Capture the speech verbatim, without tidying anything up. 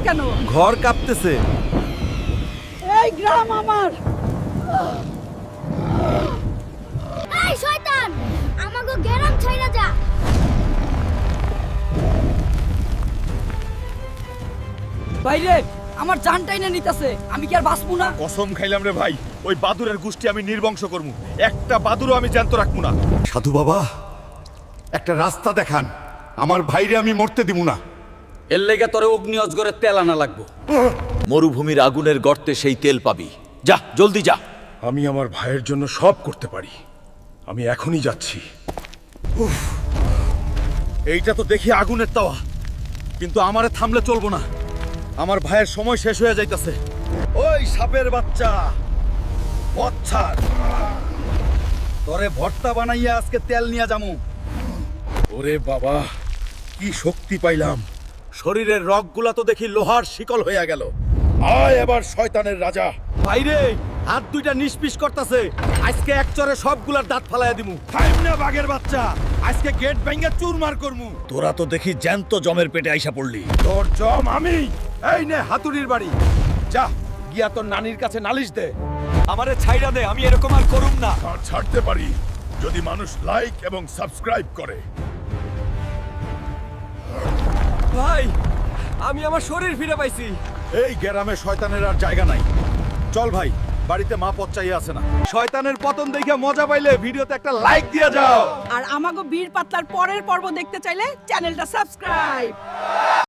কেন? ঘর কাঁপতেছে। এই গ্রাম আমার। এই শয়তান, আমাগো গ্রাম ছাইরা যা। বাইরে আমার জানটাই না নিতেছে, আমি কি আর বাঁচবো না? কসম খাইলাম রে ভাই, ওই বাদুরের গোষ্ঠী আমি নির্বংশ করবো, একটা বাদুরও আমি জ্যান্ত রাখবো না। সাধু বাবা, একটা রাস্তা দেখান, আমার ভাইরে আমি মরতে দিব না। এর লেগে তোরে অগ্নি অজগরের তেল আনা লাগবো। মরুভূমির আগুনের গর্তে সেই তেল পাবি। যা জলদি যা। আমি আমার ভাইয়ের জন্য সব করতে পারি, আমি এখনই যাচ্ছি। উফ, এইটা তো দেখি আগুনের তাওয়া, কিন্তু আমারে থামলে চলবো না, আমার ভাইয়ের সময় শেষ হয়ে যাইতাছে। ওই সাপের বাচ্চা, বচ্ছার তোরে ভর্তা বানাইয়া আজকে তেল নিয়ে যামু। ওরে বাবা, কি শক্তি পাইলাম, শরীরের রগগুলা তো দেখি লোহার শিকল হইয়া গেল। আয় এবার শয়তানের রাজা। বাইরে হাত দুইটা নিষ্পিস করতেছে, আজকে এক চরে সবগুলার দাঁত ফালাইয়া দিমু। টাইম না বাঘের বাচ্চা, আজকে গেট ভাঙা চুরমার করমু। তোরা তো দেখি জ্যান্ত জমের পেটে আইসা পড়লি। তোর জম আমি। এই নে হাতুড়ির বাড়ি, যা গিয়া তোর নানির কাছে নালিশ দে। আমারে ছাইরা দে, আমি এরকম আর করুম না। আর ছাড়তে পারি যদি মানুষ লাইক এবং সাবস্ক্রাইব করে। ভাই, আমি আমার শরীর ফিরে পাইছি। এই গ্রামে শয়তানের আর জায়গা নাই। চল ভাই, বাড়িতে মা পথ চাইয়ে আছে না। শয়তানের পতন দেখে মজা পাইলে ভিডিওতে একটা লাইক দিয়ে যাও। আর আমাগো বীর পাতলার পরের পর্ব দেখতে চাইলে চ্যানেলটা সাবস্ক্রাইব।